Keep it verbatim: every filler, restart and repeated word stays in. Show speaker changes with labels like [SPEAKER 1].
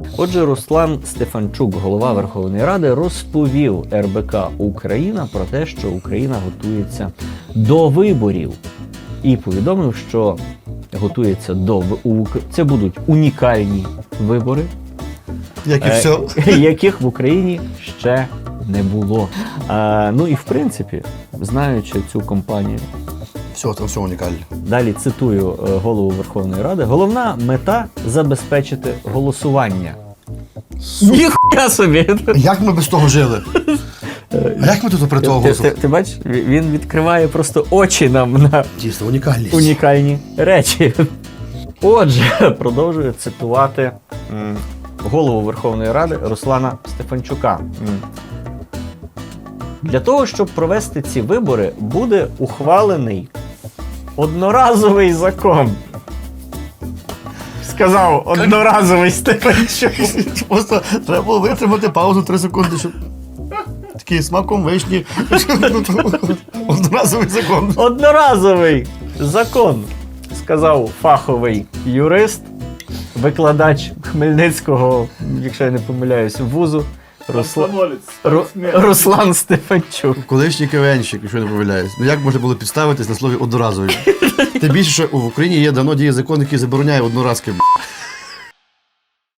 [SPEAKER 1] Отже, Руслан Стефанчук, голова Верховної Ради, розповів ер бе ка Україна про те, що Україна готується до виборів. І повідомив, що готується до виборів. Це будуть унікальні вибори,
[SPEAKER 2] Як і все.
[SPEAKER 1] яких в Україні ще не було. А, ну і в принципі, знаючи цю компанію,
[SPEAKER 2] Все, там все унікальне.
[SPEAKER 1] далі цитую е, голову Верховної Ради, головна мета – забезпечити голосування. Ніхуя собі!
[SPEAKER 2] Як ми без того жили? А як ми тут при того
[SPEAKER 1] Ти, ти,
[SPEAKER 2] голосували?
[SPEAKER 1] ти бачиш, він відкриває просто очі нам на
[SPEAKER 2] Дійсно, унікальність.
[SPEAKER 1] унікальні речі. Отже, продовжую цитувати м, голову Верховної Ради Руслана Стефанчука. М. Для того, щоб провести ці вибори, буде ухвалений одноразовий закон. Сказав одноразовий Стефанчук.
[SPEAKER 2] Просто треба було витримати паузу три секунди, щоб такий смаком вишні. Одноразовий закон.
[SPEAKER 1] Одноразовий закон, сказав фаховий юрист, викладач Хмельницького, якщо я не помиляюсь, вузу, Русла... Ру... Руслан Стефанчук.
[SPEAKER 2] Колишній КВНщик, якщо не помиляюсь. Ну як можна було підставитись на слові одноразовий? Тим більше, що в Україні є давно діє закон, який забороняє одноразки. б***.